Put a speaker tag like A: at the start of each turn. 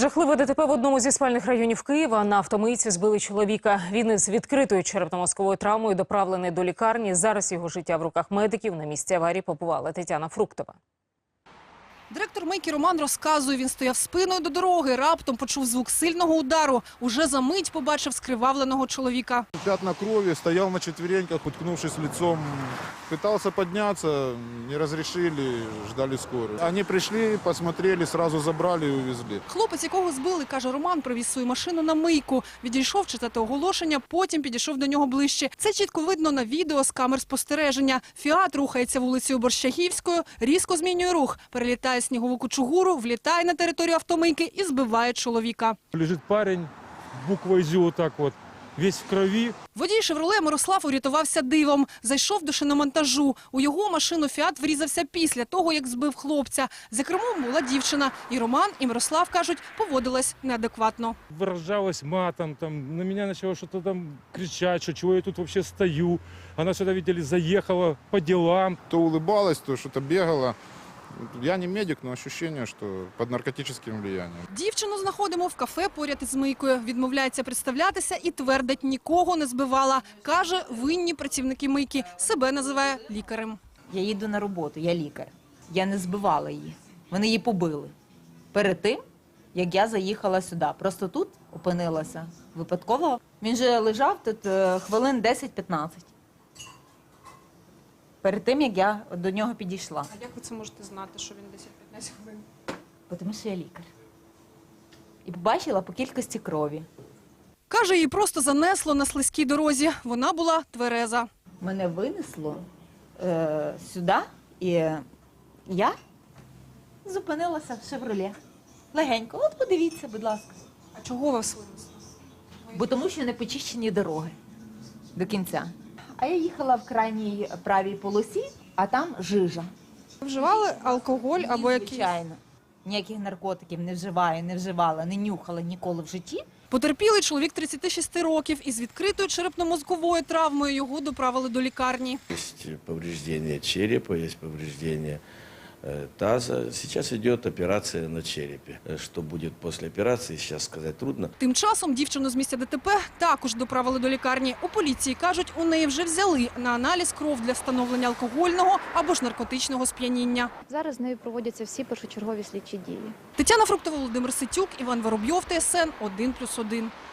A: Жахливе ДТП в одному зі спальних районів Києва. На автомийці збили чоловіка. Він із відкритою черепно-мозковою травмою доправлений до лікарні. Зараз його життя в руках медиків. На місці аварії побувала Тетяна Фруктова.
B: Директор мийки Роман розказує, він стояв спиною до дороги, раптом почув звук сильного удару. Уже за мить побачив скривавленого чоловіка.
C: Пятна крови, стоял на четвереньках, уткнувшись лицом. Пытался подняться, не разрешили, ждали скорую. Они пришли, посмотрели, сразу забрали и увезли.
B: Хлопець, якого збили, каже Роман, привіз свою машину на мийку. Відійшов читати оголошення, потім підійшов до нього ближче. Це чітко видно на відео з камер спостереження. Фіат рухається вулицею Борщагівською, різко змінює рух, перелітає снігову кучугуру, влітає на територію автомийки і збиває чоловіка.
D: Лежит парень, буквой «Зю» вот так вот, весь в крови.
B: Водій «Шевроле» Мирослав урятувався дивом. Зайшов до шиномонтажу. У його машину «Фіат» врізався після того, як збив хлопця. За кермом була дівчина. І Роман, і Мирослав, кажуть, поводилась неадекватно.
D: Выражалась матом, там, на меня начала что-то там кричать, что чего я тут вообще стою. Она сюда, видели, заехала по делам.
C: То улыбалась, то что-то бегала. Я не медик, но ощущение, что под наркотическим влиянием.
B: Дівчину знаходимо в кафе поряд із мийкою. Відмовляється представлятися і твердить, нікого не збивала. Каже, винні працівники мийки. Себе називає лікарем.
E: Я їду на роботу, я лікар. Я не збивала її. Вони її побили. Перед тим, як я заїхала сюди. Просто тут опинилася випадково. Він же лежав тут хвилин 10-15. Перед тим, як я до нього підійшла.
B: А як ви це можете знати, що він 10-15 хвилин?
E: Тому що я лікар. І побачила по кількості крові.
B: Каже, її просто занесло на слизькій дорозі. Вона була твереза.
E: Мене винесло сюди, і я зупинилася в «Шевроле». Легенько. От подивіться, будь ласка.
B: А чого вас винесло?
E: Бо тому що не почищені дороги до кінця. А я їхала в крайній правій полосі, а там жижа.
B: Вживали алкоголь або якісь?
E: Звичайно. Ніяких наркотиків не вживаю, не вживала, не нюхала ніколи в житті.
B: Потерпілий чоловік 36 років із відкритою черепно-мозковою травмою. Його доправили до лікарні.
F: Есть повреждение черепа, есть повреждение таза. Сейчас идет операция на черепе. Что будет после операции, сейчас сказать трудно.
B: Тим часом дівчину з місця ДТП також доправили до лікарні. У поліції кажуть, у неї вже взяли на аналіз кров для встановлення алкогольного або ж наркотичного сп'яніння.
G: Зараз з нею проводяться всі першочергові слідчі дії.
B: Тетяна Фруктова, Володимир Ситюк, Іван Воробйов, ТСН 1+1.